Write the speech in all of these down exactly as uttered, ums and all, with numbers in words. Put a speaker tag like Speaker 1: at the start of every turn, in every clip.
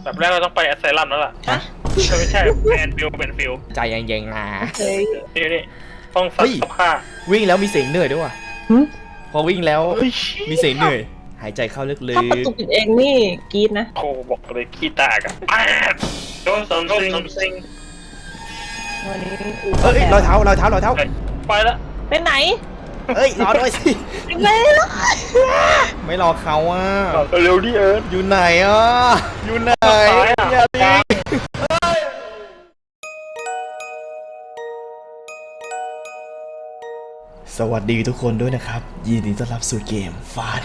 Speaker 1: แบบแรกเราต้องไปแอสไซลัมแล้วล่ะฮะไม่ใช่แอนฟิลเป็นฟิล
Speaker 2: ใจเย็นๆนะ
Speaker 1: นี่นี่ต้องซักผ้า
Speaker 2: วิ่งแล้วมีเสียงเหนื่อยด้วยว่ะพอวิ่งแล้วมีเสียงเหนื่อยหายใจเข้าลึกๆ
Speaker 3: ถ้าประตูปิดเองนี่กรี๊ดนะ
Speaker 1: โคบอกเลยขี้ตากอะโดนซัมซิงซัมซิง
Speaker 3: วันนี้
Speaker 2: เอ้ยรอยเท้ารอยเท้ารอยเท้า
Speaker 1: ไปละ
Speaker 3: ไปไหน
Speaker 2: เอ้ยรอด้วยสิ
Speaker 3: ไม่รอ
Speaker 2: ไม่รอเขาอ่ะ
Speaker 1: เร็วดิเอิร์ธ
Speaker 2: อยู่ไหนอ่ะอยู่ไหนอย่าดิสวัสดีทุกคนด้วยนะครับยินดีต้อนรับสู่เกม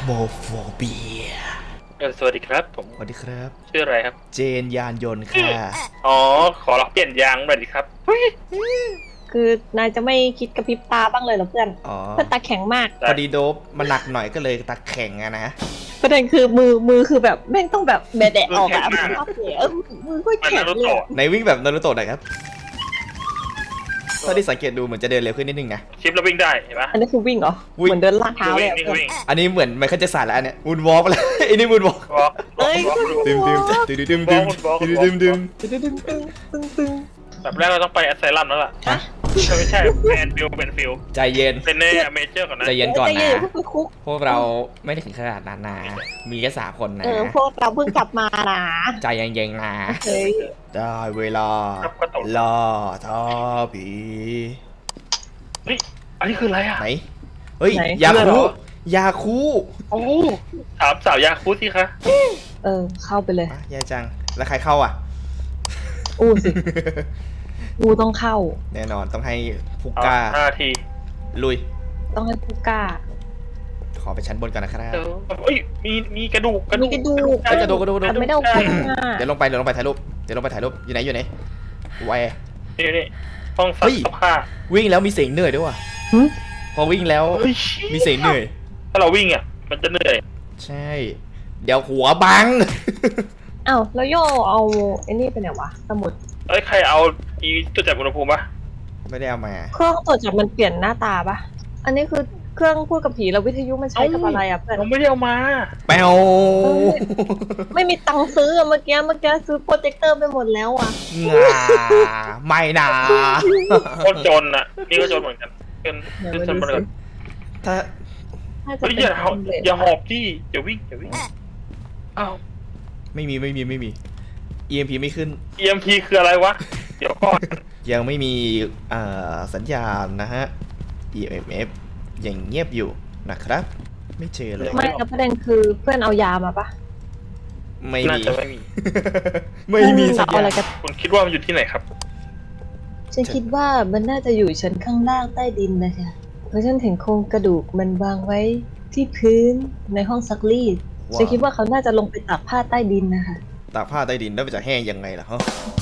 Speaker 2: Phasmophobia
Speaker 1: เออสวัสดีครับผม
Speaker 2: สวัสดีครับ
Speaker 1: ชื่ออะไรครับ
Speaker 2: เจนยานยนต์ค่ะ
Speaker 1: อ๋อขอรับเปลี่ยนยางหน่อยดิครับ
Speaker 3: คือนายจะไม่คิดกระพริบตาบ้างเลยเหรอเพื่อนเพื่อนตาแข็งมาก
Speaker 2: พอดีโดบมันหนักหน่อยก็เลยตาแข็งอะนะ
Speaker 3: ประเด็นคือมือมือคือแบบแม่งต้องแบบแบะแดะออกอะมือชอบเสียมือก็แข็งเลย
Speaker 2: ในวิ่งแบบนารูโตะหน่อยครับตอนที่สังเกตดูเหมือนจะเดินเร็วขึ้นนิดนึงนะ
Speaker 1: ชิปแล้ววิ่งได้เห็นปะ
Speaker 3: อันนี้คือวิ่งเหรอเหมือนเดินลากเท้าเลย
Speaker 2: อันนี้เหมือนไมเคิลแจ็คสันแล้วอันเนี้ยมูนวอล์กเลยอันนี้มูนวอล์ก
Speaker 3: เฮ้ย
Speaker 2: ดึมดึมดึมดึมดึมดึมดึมดึม
Speaker 3: ดึมดึมดึมดึม
Speaker 1: แบบแรกเราต้องไปแอสไซลัมแล้วล่ะ
Speaker 3: ฮะ
Speaker 1: ไม่ใช่แอนฟิลเป็นฟิล
Speaker 2: ใจเย็น
Speaker 1: เป็นในเมเจอร์ก่อนนะ
Speaker 2: ใจเย็นก่อนนะพวกเราไม่ได้ถึงขนาดนั้นนะมีแค่สามคนนะ
Speaker 3: เออพวกเราเพิ่งกลับมานะ
Speaker 2: ใจเย็นๆนะได้เวลาล่าท้าผี
Speaker 1: เฮ้ยอันนี้คืออะไรอ่ะ
Speaker 2: ไหนเฮ้ยยาคูยาคู
Speaker 1: โอ้ถามสาวยาคูสิคะ
Speaker 3: เออเข้าไปเลย
Speaker 2: ยายจังแล้วใครเข้าอ่ะ
Speaker 3: อู้สิกูต้องเข้า
Speaker 2: แน่นอนต้องให้พุก้า
Speaker 1: ห้าที
Speaker 2: ลุย
Speaker 3: ต้องให้พุก้า
Speaker 2: ขอไปชั้นบนก่อนนะครับ
Speaker 1: เอ้ยมีมีกระดูก
Speaker 3: กระดูกกระดูก
Speaker 2: กระดูกกระดูก
Speaker 3: ไม่ได้เอาไป
Speaker 2: เดี๋ยวลงไปเดี๋ยวลงไปถ่ายรูปเดี๋ยวลงไปถ่ายรูปอยู่ไหนอยู่ไหนไว
Speaker 1: นี่นี่ห้องซักผ้า
Speaker 2: วิ่งแล้วมีเสียงเหนื่อยด้วยว่ะพอวิ่งแล้วมีเสียงเหนื่อย
Speaker 1: ถ้าเราวิ่งอ่ะมันจะเหนื่อย
Speaker 2: ใช่เดี๋ยวหัวบัง
Speaker 3: อ้าวแล้วโยเอาไอ้นี่ไปไหนวะสมุด
Speaker 1: เอ้ยใครเอาอีตัวจับอุณหภูมิปะ
Speaker 2: ไม่ได้เอามา
Speaker 3: เครื่องตรวจจับมันเปลี่ยนหน้าตาปะอันนี้คือเครื่องพูดกับผีแล้ววิทยุมันใช้กับอะไรอ่ะเพื่อน
Speaker 1: เราไม่ได้เอามา
Speaker 2: แปว
Speaker 3: ไม่มีตังค์ซื้อเมื่อกี้เมื่อกี้ซื้อโปรเจคเตอร์ไปหมดแล้วอ่ะ
Speaker 2: งาไม่นะ
Speaker 1: คนจนอ่ะนี่ก็จนเหมือนกันเป็นเป็นจนเหมือนกัน
Speaker 2: ถ้า
Speaker 1: เฮ้ยอย่าอย่าหอบที่อย่าวิ่งอย่าวิ่งอ้าว
Speaker 2: ไม่มีไม่มีไม่มี อี เอ็ม พี ไม่ขึ้น
Speaker 1: อี เอ็ม พี คืออะไรวะเดี๋ยวก่อน
Speaker 2: ยังไม่มีสัญญาณนะฮะ อี เอ็ม เอฟ ยังเงียบอยู่นะครับไม่เจอเลย
Speaker 3: ไม่แล้วประเด็นคือเพื่อนเอายามาปะ
Speaker 2: ไม่มี
Speaker 1: ไม่มี
Speaker 2: ไม่มีสัญญาณ
Speaker 1: คุณคิดว่ามันอยู่ที่ไหนครับ
Speaker 3: ฉันคิดว่ามันน่าจะอยู่ชั้นข้างล่างใต้ดินนะคะเพราะฉันเห็นโครงกระดูกมันวางไว้ที่พื้นในห้องซักรีดฉันคิดว่าเขาน่าจะลงไปตากผ้าใต้ดินนะคะ
Speaker 2: ตากผ้าใต้ดินแล้วมันจะแห้งยังไงล่ะฮะ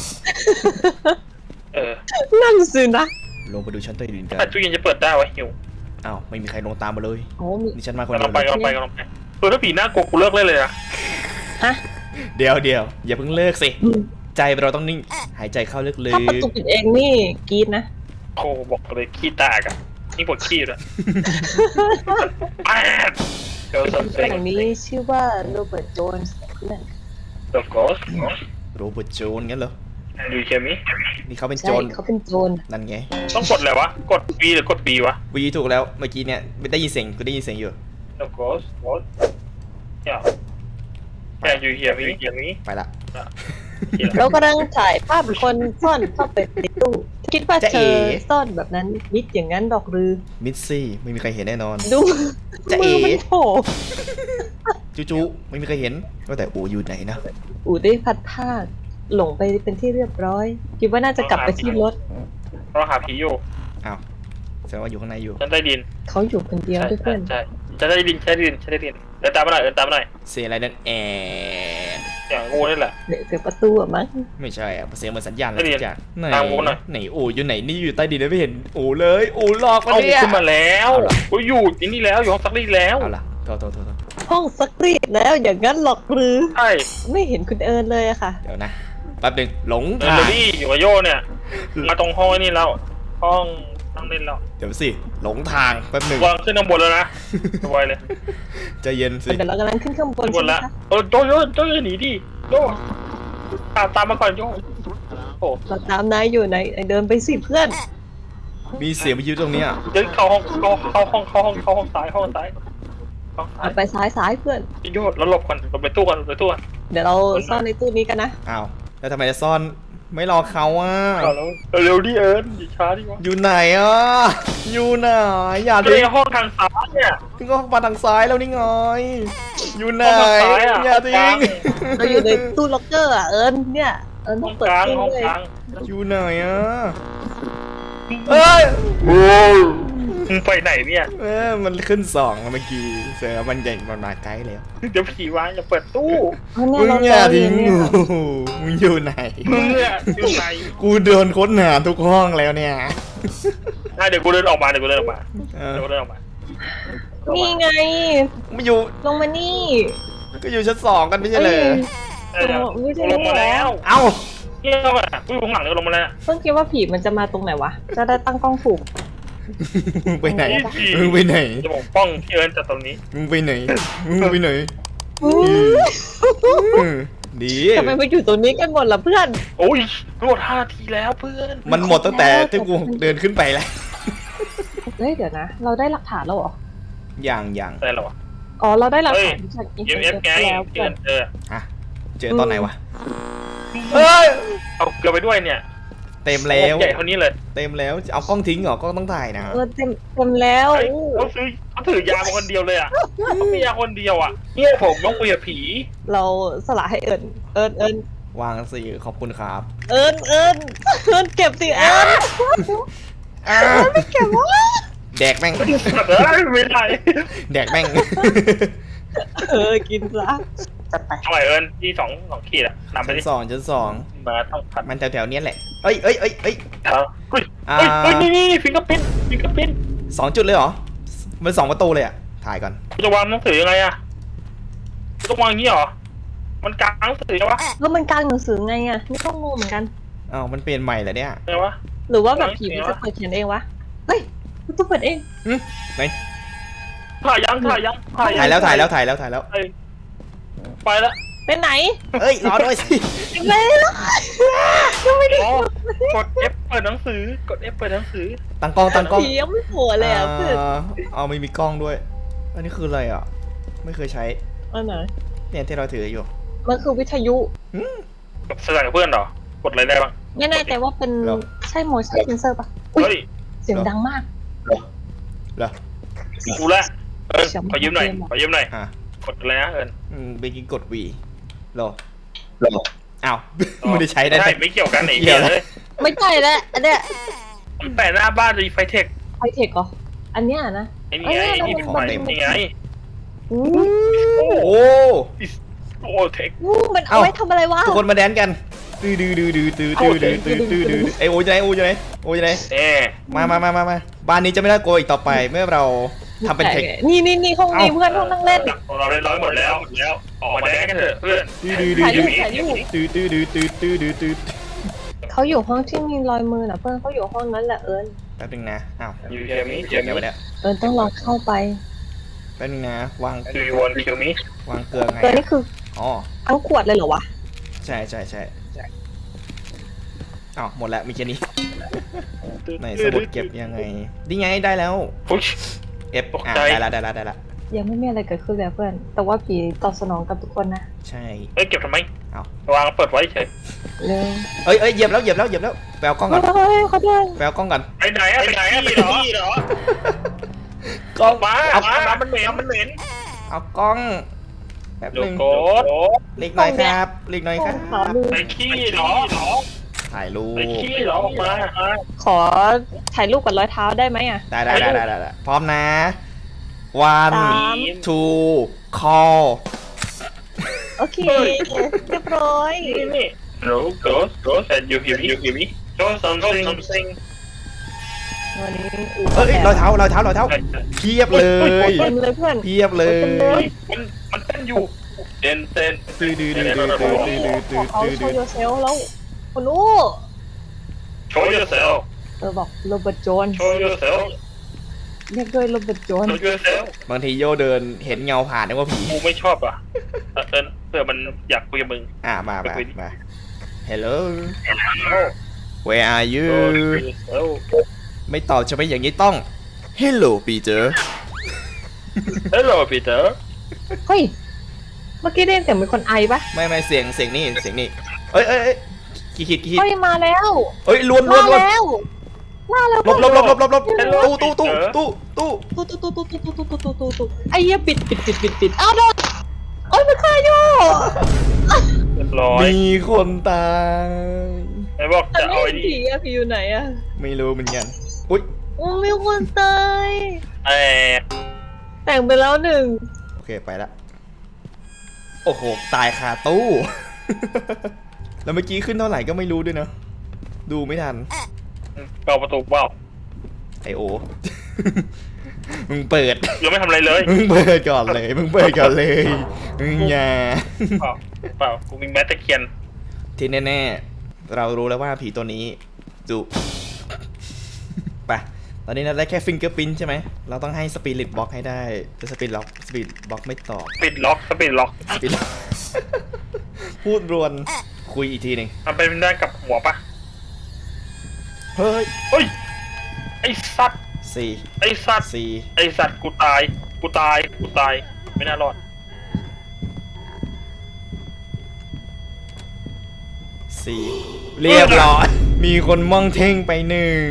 Speaker 1: เออ
Speaker 3: นั่นสินะ
Speaker 2: ลงไปดูชั้นใต้ดินกัน
Speaker 1: ตู้เย็นจะเปิดได้วะหิว
Speaker 2: อ้าวไม่มีใครลงตามมาเลย
Speaker 3: โอ้
Speaker 2: นี่ฉันมาคนเดียว
Speaker 1: ลงไปลงไปลงไปเปิดแล้วผีหน้ากลัวกูเลิกเล่นเลยนะ
Speaker 3: ฮะ
Speaker 2: เดี๋ยวเดี๋ยวอย่าเพิ่งเลิกสิใจเราต้องนิ่งหายใจเข้าลึกๆ
Speaker 3: ถ้าประตูปิดเองนี่กรี๊ดนะ
Speaker 1: โคบอกเลยขี้ตากอะนี่ปวดขี้เลย
Speaker 3: แห่งนี้ชื่อว่าโรเบิร์ตโจนส์นั่น
Speaker 1: โรเบิร์ต
Speaker 2: โรเบิร์ตโจนส์งั้นเหรอ
Speaker 1: ดูเคมี
Speaker 2: นี่เขาเป็นโจร
Speaker 3: เขาเป็นโจร
Speaker 2: นั่นไง
Speaker 1: ต้องกดอะไรวะกด V หรือกด B วะ
Speaker 2: V ถูกแล้วเมื่อกี้เนี่ยไม่ได้ยินเสียงกูได้ยินเสียงอยู่
Speaker 1: โรเบิร์ตโรอย่าแกอยู่เฮียมีเฮียมี
Speaker 2: ไปละ
Speaker 3: เรากำลังถ่ายภาพคนซ่อนเข้าไปในตู้คิดว่าเธอซ่อนแบบนั้นมิดอย่างนั้นดอกหรือ
Speaker 2: มิดซี่ไม่มีใครเห็นแน่นอน
Speaker 3: ดู
Speaker 2: จะเอ๋
Speaker 3: โผล่
Speaker 2: จู่ๆไม่มีใครเห็นว่าแต่อูอยู่ไหนนะ
Speaker 3: อูได้พัดผ้าหลงไปเป็นที่เรียบร้อยคิดว่าน่าจะกลับไปที่รถ
Speaker 1: เราหาผีอยู่
Speaker 2: อ้าวแสดงว่าอยู่ข้างในอยู่
Speaker 1: ฉันได้ดิน
Speaker 3: เขาอยู่คนเดียวด้วยเพื่อน
Speaker 1: ใช่จะได้ดินใช้ดินใช้ได้ดินเดินตามมาหน่อยเดินตามมาหน่อย
Speaker 2: เสียงอะไรนั่นแอ
Speaker 1: อย่างงูนี่แหละ
Speaker 3: เสียงประตูอะมั้ง
Speaker 2: ไม่ใช่อะเสียงเหมือนสัญญาณอะไรจากไหนไหนโอ้อยู่ไหนนี่อยู่ใต้ดินไม่เห็นโอ้เลยโอ้หลอกมาเนี่ย
Speaker 1: ขึ้นมาแล้วโอ้อยู่ที่นี่แล้วอยู่ห้องซักรีดแล้ว
Speaker 2: เอาล่ะโทษโทษโทษ
Speaker 3: ห้องซักรีดแล้วอย่างนั้นหรอกหรือ
Speaker 1: ใช่
Speaker 3: ไม่เห็นคุณเอิญเลยอะค่ะ
Speaker 2: เดี๋ยวนะแป๊บนึงหลง
Speaker 1: ทางนี่อยู่กับโยเนี่ยมาตรงห้องนี่แล้วห้องนั่งเล่นแล้ว
Speaker 2: เดี๋ยวสิหลงทางแป๊บนึง
Speaker 1: วางขึ้นข้างบนแล้วนะสบายเลย
Speaker 2: ใจเย็นสิ
Speaker 3: เดี๋ยวเรากำลังขึ้นข้างบน
Speaker 1: บนแล้วเออโดนโดนโดนหนีดิโดนตามตามมาก่อนโยโอ้
Speaker 3: เราตามนายอยู่ไหนไอ้เดินไปสิเพื่อน
Speaker 2: มีเสียงวิทยุตรงเนี้ย
Speaker 1: เดินเข้าห้องเข้าเข้าห้องเข้าห้องเข้าห้องซ้ายห้องซ้ายห้องซ้า
Speaker 3: เอา
Speaker 1: ย
Speaker 3: ไปซ้ายซ้ายเพื่อน
Speaker 1: โยแล้วหลบก่อนหลบไปตู้ก่อนหลบไปตู้ก่อน
Speaker 3: เดี๋ยวเราซ่อนในตู้นี้กันนะ
Speaker 2: อ้าวแล้วทำไมจะซ่อนไม่รอเขาอ่ะ
Speaker 1: เอาแล้วเร็วดิเอิญอย่าช้าดิวะ
Speaker 2: อยู่ไหนอ่ะอยู่ไหนอย่า
Speaker 1: ก็
Speaker 2: ทิ้
Speaker 1: ใน
Speaker 2: ง
Speaker 1: ห้องทางซ้ายเนี่ย
Speaker 2: ทิ้งก็มาทางซ้ายแล้วนี่ไงอยู่ไหน
Speaker 1: ห้องทางซ้ายอะ
Speaker 2: อย่าทิ้ง
Speaker 3: เราอยู่ในตู้ล็อกเกอร์อ่ะเอิญเนี่ยเอิญ
Speaker 1: ห้
Speaker 3: ต้
Speaker 1: อ
Speaker 3: อง
Speaker 1: ง
Speaker 3: เปิด
Speaker 1: กลาง
Speaker 3: ตู้
Speaker 1: ห้อง
Speaker 3: เลย
Speaker 1: กลาง
Speaker 2: อยู่ไหนอ่ะเอ้ย
Speaker 1: มึงไปไหนเนี่ย
Speaker 2: เออมันขึ้นสองเมื่อกี้เสือมันใหญ่มันมาใกล้แล้ว
Speaker 1: เดี๋ยวผีวางอย่าเปิดตู้
Speaker 3: เพราะเนี่ย
Speaker 2: มึง
Speaker 3: เรา
Speaker 2: อย่า
Speaker 3: เจออ
Speaker 2: ทิ้
Speaker 3: ยู่
Speaker 2: ง
Speaker 3: เนี่ย
Speaker 2: กูมึงอยู่ไหน
Speaker 1: มึงเนี่ยอยู่ไหน
Speaker 2: กูเดินค้นหาทุกห้องแล้วเนี่ย
Speaker 1: อ่ะเดี๋ยวกูเดินออกมาเดี๋ยวกูเดินออกมา
Speaker 2: เออ
Speaker 1: เดี๋ยวกูเดินออกมา
Speaker 3: นี่ไง
Speaker 2: ไม่อยู่
Speaker 3: ลงมานี่
Speaker 2: ก็อยู่ชั้นสองกันไม่ใช่เลย
Speaker 1: เดี๋ยวเดี๋ยว
Speaker 3: ไม่ใช่
Speaker 1: ลงมาแล้ว
Speaker 2: เอ้า
Speaker 1: เที่ยวอ่ะกูอยู่ข้างหลังเลยลงมาแล้ว
Speaker 3: เพิ่งคิดว่าผีมันจะมาตรงไหนวะ จะได้ตั้งกล้องถูก
Speaker 2: มึงไปไหน
Speaker 1: ผี
Speaker 2: มึงไปไหน
Speaker 1: จะบอกป้องพี่เอิญจากตรงนี้
Speaker 2: มึงไปไหนมึงไปไหน
Speaker 3: อื้อ
Speaker 2: อืมดี
Speaker 3: ทำไมมาอยู่ตรงนี้กันหมดล่ะเพื่อน
Speaker 1: โอ้ยหมดห้าทีแล้วเพื่อน
Speaker 2: มันหมดตั้งแต่ที่กูเดินขึ้นไปแล้ว
Speaker 3: เฮ้ยเดี๋ยวนะ เราได้หลักฐานแล้วเหรอ
Speaker 2: อย่างอย่าง
Speaker 1: อะไรหรอวะ
Speaker 3: อ๋อเราได้หลัก
Speaker 1: เฮ้ย
Speaker 3: ฐานจากอิน
Speaker 1: เอ
Speaker 3: เทอร์
Speaker 1: ฟ
Speaker 3: เน็ต
Speaker 1: ไง
Speaker 3: แล้ว
Speaker 1: เพื่
Speaker 3: เพื่
Speaker 1: อ
Speaker 3: อน น
Speaker 1: เจอ
Speaker 2: ฮะเจอตอนไหนวะเฮ้ย
Speaker 1: เอาเกลือไปด้วยเนี่ย
Speaker 2: เต็มแล้ว
Speaker 1: ใหญ่เท่านี้เลย
Speaker 2: เต็มแล้วเอากล้องทิ้งเหรอกล้องต้องถ่ายนะ
Speaker 3: เออเต็มเต็มแล้ว
Speaker 1: เฮ้ยเขาซื้อเขาถือยามาคนเดียวเลยอ่ะเขามียาคนเดียวอ่ะเนี่ยผมต้องคุยกับผี
Speaker 3: เราสละให้เอิญเอิญเอิญ
Speaker 2: วางสิขอบคุณครับ
Speaker 3: เอิญเอิญเอิญเก็บสิเอิญ
Speaker 2: อ้า
Speaker 3: ไม่เก็บวะ
Speaker 2: แดกแม่ง
Speaker 1: สัตว์เอ้ยไม่ได้
Speaker 2: แดกแม่ง
Speaker 3: เออกินซะจัดไป
Speaker 1: ทำไมเอิญที่สองสองขีดอ่ะนำไป
Speaker 2: ชั้น
Speaker 1: ดิ
Speaker 2: สองชั้นสอง
Speaker 1: มาต้องผัด
Speaker 2: มันแถวๆเนี้ยแหละเอ้ยเอ้ยเอ้ยเอ้ย
Speaker 1: เท้าเฮ้ย
Speaker 2: อ่า
Speaker 1: เฮ้ยเฮ้ยนี่นี่ฟิงเกอร์พินฟิงเกอร์พิน
Speaker 2: สองจุดเลยเหรอมันสองประตูเลยอะถ่ายก่อน
Speaker 1: กูจะวางหนังสือยังไงอ่ะกูต้องวางอย่างนี้เหรอมันกลางหนังสือใช่ปะ
Speaker 3: แล้วมันกลางหนังสือไงอ่ะนี่ก็งงเหมือนกัน
Speaker 2: อ้าวมันเปลี่ยนใหม่เหรอเนี่ย
Speaker 1: ไงวะ
Speaker 3: หรือว่าแบบผีมันจะเปิดเขียนเองวะเฮ้ยมันต้องเปิดเอง
Speaker 2: ไหน
Speaker 1: ถ่ายยังถ่ายยังถ่ายยัง
Speaker 2: ถ่ายแล้วถ่ายแล้วถ่ายแล้วถ่ายแล้ว
Speaker 1: ไปไปแล้ว
Speaker 3: ไปไหน
Speaker 2: เอ้ยรอด้วยสิ
Speaker 3: ไปแล้วยังไม่ได้
Speaker 1: อ๋อกด F เปิดหนังสือกด F เปิดหนังสือ
Speaker 2: ตั้งกล้องตั้งกล้อง
Speaker 3: ผียังไม่โผล่เลยอ่ะเพื่อน
Speaker 2: อ่าเอาไม่มีกล้องด้วย อันนี้คืออะไรอ่ะ ไม่เคยใช้
Speaker 3: อันไหน
Speaker 2: เนี่ยที่เราถืออยู่
Speaker 3: มันคือวิทยุ
Speaker 1: กับแสดงกับเพื่อนเหรอกดอะไรได้บ้าง
Speaker 3: ไม่แน่ใจว่าเป็นใช่ motion sensor ปะอุ้
Speaker 1: เฮ้
Speaker 3: ย
Speaker 1: ย
Speaker 3: เสียงดังมาก
Speaker 2: เหรอ
Speaker 1: กูละเออขอยืมหน่อยขอยืมหน่อย
Speaker 2: อ่ะ
Speaker 1: กดอะไรนะเอิญ
Speaker 2: อืมไปกินกดวีรอรออ้าว ไม่ได้ใช้ได้
Speaker 1: ใช่
Speaker 2: แต่
Speaker 1: ไม่เกี่ยวกันไอ้
Speaker 2: เกี่
Speaker 1: เหี้
Speaker 2: ย
Speaker 1: ยว
Speaker 2: แล้ว
Speaker 1: เลย
Speaker 3: ไม่ใช่แล้วอันเนี้ย
Speaker 1: มันแปะหน้าบ้านรีไฟเทค
Speaker 3: ไฮเทคเหรออันเนี้ยนะ
Speaker 1: ไอ้นี่ไงนี่เป็นไฟนี่ไง
Speaker 3: อู้
Speaker 1: โอ้
Speaker 2: โอ้
Speaker 1: โหเทค
Speaker 3: อู้มันเอาไว้ทำอะไรวะ
Speaker 2: ทุกคนมาแดนกันตื้อดื้อดื้อดื้อตื้อตื้อดื้อตื้อตื้อดื้อไอโอจะไหนโอจะไหนโอจะไหน
Speaker 1: เน่
Speaker 2: มามามามามาบ้านนี้จะไม่น่ากลัวอีกต่อไปเมื่อเราทำเป็นเทค
Speaker 3: นี่นี่นี่ห้องนี้เพื่อนห้องนั่งเล่น
Speaker 1: เราได้ร้อยหมดแล้วหมดแล้วออกมาแดกกันเถอะเพื่อน
Speaker 2: ตื้อดื้อดื้อ
Speaker 3: ถ่ายรู
Speaker 2: ดื้
Speaker 3: ป
Speaker 2: อ
Speaker 3: ถ่ายรูป
Speaker 2: ตื้อตื้อดื้อตื้อตื้อดื้อตื้อ
Speaker 3: เขาอยู่ห้องที่มีรอยมือน่ะเพื่อนเขาอยู่ห้องนั้นแหละเอิญ
Speaker 2: แป๊บนึงนะอ้าว
Speaker 1: ยูเกมิเก
Speaker 2: เดี๋ยว
Speaker 1: มิ
Speaker 2: ไปแล้ว
Speaker 3: เอิญต้องลองเข้าไป
Speaker 2: แป๊บนึงนะวาง
Speaker 1: ดูยูวันเกมิ
Speaker 2: วางเกลือไง
Speaker 3: เอิญนี่คือ
Speaker 2: อ๋อ
Speaker 3: ทั้งขวดเลยเหรอวะ
Speaker 2: ใช่ใช่ใช่อ้าวหมดแล้วมีแค่นี้ไหนสมุดเก็บยังไงนี่ไงได้แล้ว
Speaker 1: ปุ๊ช
Speaker 2: เอฟ
Speaker 1: ตก
Speaker 2: อ่ะ
Speaker 1: ใจ
Speaker 2: ได้แล้วได้แล้วได้แล้ว
Speaker 3: ยังไม่มีอะไรเกิดขึ้นเลยเพื่อน แต่ว่าผีตอบสนองกับทุกคนนะ
Speaker 2: ใช่
Speaker 1: เอ้ยเก็บทำไม
Speaker 2: เอา
Speaker 1: วางเปิดไว้เฉย
Speaker 3: เร็ว
Speaker 2: เอ้ยเอ้ยเหยียบแล้วเหยียบแล้วเหยียบแล้วแปลกล้องก่อน
Speaker 3: เฮ้ยเขาด้วย
Speaker 2: แปลกล้องก่อน
Speaker 1: ไปไหนอะไปไหนอะไปที่เหรอก
Speaker 2: ล้อง
Speaker 1: มา
Speaker 2: เอา
Speaker 1: มาน้ำมันเหม็นน้ำมันเหม็น
Speaker 2: เอากล้องแป๊บ
Speaker 1: โย
Speaker 2: นึง
Speaker 1: โกด
Speaker 2: เล็กหน่อยครับเล็กหน่อยครับ
Speaker 3: ขอดู
Speaker 1: ไปขี้เหรอ
Speaker 2: ถ่ายรูป
Speaker 1: ไปขี้เหรอออกมา
Speaker 3: ขอถ่ายรูปกับรอยเท้าได้ไหมอ่ะ
Speaker 2: ได้ได้ได้ได้ได้ได้พร้อมนะ one
Speaker 3: สาม
Speaker 2: two call
Speaker 3: โอเค เรียบร้อย
Speaker 1: นี่นี่ no ghost ghost and you hear me you hear me show something something
Speaker 3: วันนี้
Speaker 2: เอ้ยรอยเท้ารอยเท้ารอยเท้าเพียบเลย
Speaker 3: เต็มเลยเพื่อน
Speaker 2: เพียบเลย
Speaker 1: มันมันเต้นอยู่เต้นเต้น
Speaker 2: ตื้อดื้อดื้อดื้อดื้อดื้อดื้อ
Speaker 3: ข
Speaker 2: ดื้
Speaker 3: อ
Speaker 2: อ
Speaker 3: เขา
Speaker 2: ดื้อ
Speaker 3: โช
Speaker 2: ดื้
Speaker 3: ว์
Speaker 2: อ
Speaker 3: โยเซลแล้วคนรู้
Speaker 1: show yourself
Speaker 3: เออบอกโรเบิร์ตโจน
Speaker 1: show yourself
Speaker 3: เรียกด้วยโรเบิร์ตโจน
Speaker 1: show yourself
Speaker 2: บางทีโยเดินเห็นเงาผ่านนึกว่าผี
Speaker 1: กูไม่ชอบอ่ะเออเออเผื่อมันอยากคุยกับมึง
Speaker 2: อ่ะมามา
Speaker 1: ไปคุยดิ
Speaker 2: มา Hello
Speaker 1: โอ้
Speaker 2: Where are
Speaker 1: โ
Speaker 2: you
Speaker 1: อ้
Speaker 2: ไม่ตอบใช่ไหมอย่างนี้ต้อง Hello Peter
Speaker 1: Hello Peter
Speaker 3: เฮ้ย เมื่อกี้ได้ยินเสียงเป็นคนไอปะ
Speaker 2: ไม่ไม่เสียงเสียงนี่เสียงนี่เอ้ยเอ้ยเอ้ยกี่ขีดกี่ขีด
Speaker 3: เฮ้ยมาแล้ว
Speaker 2: เอ้ยลวนลว
Speaker 3: มาน
Speaker 2: ลวน
Speaker 3: แล้วมาแล้ว
Speaker 2: หลบหลบหลบหลบหลบหลบตู้ตู้ตู้ตู้ตู้
Speaker 3: ตุ๊ตุ๊ตุ๊ตุ๊ตุ๊ตุ๊ตุ๊ตุ๊ตุ๊ตุ๊ไอ้เหี้ยปิดปิดปิดปิดปิดอ้าวโดนโอ้ยมันฆ่าอยู่
Speaker 1: เรียบร้อย
Speaker 2: มีคนตาย
Speaker 1: ไอ้บอก
Speaker 3: แต่
Speaker 1: จะ
Speaker 3: ไม่
Speaker 1: เอาไอ้
Speaker 3: เห็น
Speaker 1: นี่
Speaker 3: ผีอะผีอยู่ไหนอะ
Speaker 2: ไม่รู้เหมือนกันอุ้ย
Speaker 3: โอ้มีคนตาย
Speaker 1: ไอ้
Speaker 3: แต่งไปแล้วหนึ่ง
Speaker 2: โอเคไปละโอ้โหตายคาตู้ แล้วเมื่อกี้ขึ้นเท่าไหร่ก็ไม่รู้ด้วยเนอะดูไม่ทัน
Speaker 1: เปิดประตูเปล่า
Speaker 2: ไอโอ มึงเปิด
Speaker 1: ยังไม่ทำอะไรเลย
Speaker 2: มึงเปิดก่อนเลย มึงเปิดก่อนเลย มึงอย่า
Speaker 1: เปล่าเปล่ากูมีแมตตะเคียน
Speaker 2: ที่แน่ๆ เรารู้แล้วว่าผีตัวนี้ดุไปตอนนี้เราได้แค่ฟิงเกอร์พินใช่ไหม เราต้องให้สปิริตบล็อกให้ได้แต่สปิริตล็อกสปิริตบล็อกไม่ตอบ
Speaker 1: ปิดล็อกสปิดล็อก
Speaker 2: สปิริตล็อก พูดรวน คุยอีกทีหนึ่ง
Speaker 1: มันเป็นได้กับหัวปะ
Speaker 2: เฮ้ย
Speaker 1: เฮ้ยไอ้สัตว์
Speaker 2: สี่
Speaker 1: ไอ้สัตว์
Speaker 2: สี่
Speaker 1: ไอ้สัตว์กูตายกูตายกูตายไม่น่ารอด
Speaker 2: สี่เรียบร้อย มีคนมองเท่งไปหนึ่ง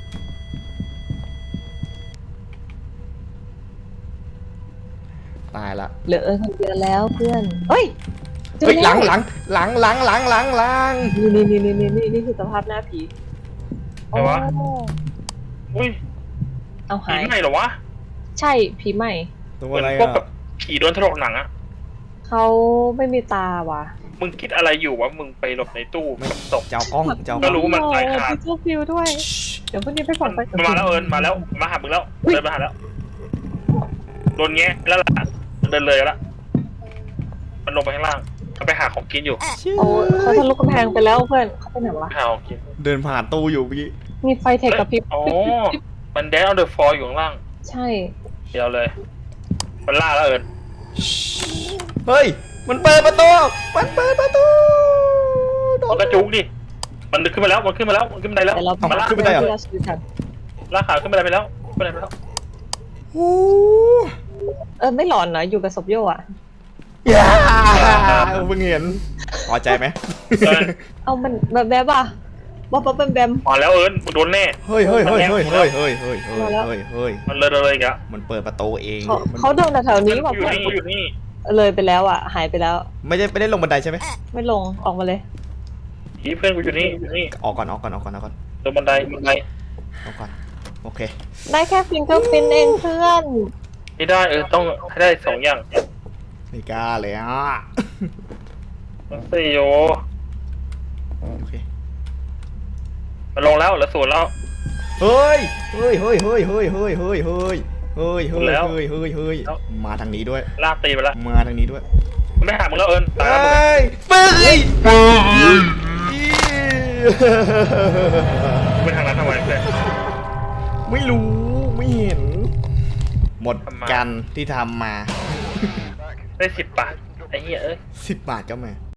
Speaker 2: ตายละ
Speaker 3: เหลือเอิญคนเดียวแล้วเพื่อนเฮ้ยเจอ
Speaker 2: เฮ้ยห
Speaker 3: แว
Speaker 2: ลังหลังหลังหลังหลังหลังหลัง
Speaker 3: นี่นี่นี่นี่นี่นี่คือสภาพหน้าผี
Speaker 1: อะไรวะ
Speaker 3: โอ้
Speaker 1: อุ้ย
Speaker 3: เอา
Speaker 1: ผี
Speaker 3: หาย
Speaker 1: ไหนเหรอวะ
Speaker 3: ใช่ผีใหม่
Speaker 2: ตัว
Speaker 1: เหมือ
Speaker 2: อะไร
Speaker 1: นพวกแบ
Speaker 2: อ่ะ
Speaker 1: บผีโดนถลกหนังอะ
Speaker 3: เขาไม่มีตาว่ะ
Speaker 1: มึงคิดอะไรอยู่วะมึงไปหลบในตู้กับศพ
Speaker 2: เจ้ากล้องเจ้าก
Speaker 1: ก็
Speaker 2: ล้อง
Speaker 1: รู้ว่ามันตายขาด
Speaker 3: มีทูฟิวด้วย เดี๋ยวพรุ่งนี้ไปส่องไป
Speaker 1: มันมาแล้วเอิญมาแล้วมาหามึงแล้วเดินมาหาแล้วโดนแงะแล้วล่ะเดินเลยแล้วมันลงไปข้างล่างมันไปหาของกินอยู่
Speaker 3: โอ้เขาทะลุกำแพงไปแล้วเพื่อนเขาไปไหนวะ
Speaker 1: ไปหาของกิน
Speaker 2: เดินผ่านตู้อยู่เมื่อกี้
Speaker 3: มีไฟเทคกับพริบ
Speaker 1: อ๋อมันแดนเอาเดอะฟอร์อยู่ข้างล่าง
Speaker 3: ใช่
Speaker 1: เดียวเลยมันล่าแล้วเอิญ
Speaker 2: เฮ้ย มันเปิดประตู มันเปิดประตูโด
Speaker 1: มัน
Speaker 2: น
Speaker 1: กระจุกดิมันขึ้นมาแล้วมันขึ้นมาแล้วมันขึ้นมาได้แล้ว
Speaker 3: แต่เรา
Speaker 1: มันลาก
Speaker 2: ขึ้นไม่ได้เหรอ
Speaker 3: ที่เราชีวิตกัน
Speaker 1: ลากขาขึ้นมาได้ไปแล้วขึ้นมาได้ไปแล้ว
Speaker 2: โอ้
Speaker 3: เออไม่หลอนเหรออยู่กับศพโยอ่ะ
Speaker 2: ยาเพิ่งเห็นพอใจไหม
Speaker 1: เอิญ
Speaker 3: เอามันแบบแบบอ่ะบ๊อบบ๊อบแบมแบม
Speaker 1: มาแล้วเอิญมึงโดนแน่
Speaker 2: เฮ้ยเฮ้ยเฮ้ยเฮ้ยเฮ้ยเฮ้ยเฮ้ยเฮ้ย
Speaker 3: มาแล้ว
Speaker 2: เฮ้ยเฮ้ย
Speaker 1: มันเลยเลยอีกอะ
Speaker 2: มันเปิดประตูเอง
Speaker 3: เขา
Speaker 2: มัน
Speaker 3: เขาเดินแถวๆนี้ว่ะ
Speaker 1: อยู่
Speaker 3: เพื่อน
Speaker 1: นี่อยู่นี่
Speaker 3: เลยไปแล้วอ่ะ หายไปแล้ว
Speaker 2: ไม่ได้ไม่ได้ลงบันไดใช่ไหม
Speaker 3: ไม่ลงออกมาเลย
Speaker 1: ผีเพื่อนกูอยู่นี่อยู่นี่
Speaker 2: ออกก่อนออกก่อนออกก่อนออกก่อน
Speaker 1: ตรงบันไดบันได
Speaker 2: ออกก่อนโอเค
Speaker 3: ได้แค่ฟิงเกอร์พินเองเพื่อน
Speaker 1: ไม่ได้เออต้องให้ได้สองอย่าง
Speaker 2: ไม่กล้าเลยอ่ะ
Speaker 1: มันสี่โย
Speaker 2: โอเค
Speaker 1: มันลงแล้วเหลือศูนย์แล้ว
Speaker 2: เฮ้ยเฮ้ยเฮ้ยเฮ้ยเฮ้ยเฮ้ยเฮ้ยเฮ้ยเฮ้ยเฮ้ย
Speaker 1: แล้ว
Speaker 2: เฮ้ยเฮ้ยเฮ้ยมาทางนี้ด้วย
Speaker 1: ลากตีไปแล้ว
Speaker 2: มาทางนี้ด้วย
Speaker 1: มันไม่หามึงแล้วเอิญตาย
Speaker 2: เฮ
Speaker 1: แล้วมึง้
Speaker 2: ยเฮ้ย
Speaker 1: มึงไปทางนั้นทำไมเพื่อน
Speaker 2: ไม่รู้ไม่เห็น หมด
Speaker 1: ทำไม
Speaker 2: กันที่ทำมา
Speaker 1: ได้สิบบาทไอ้เหี้ยเอ้ย
Speaker 2: สิบบาทก็มา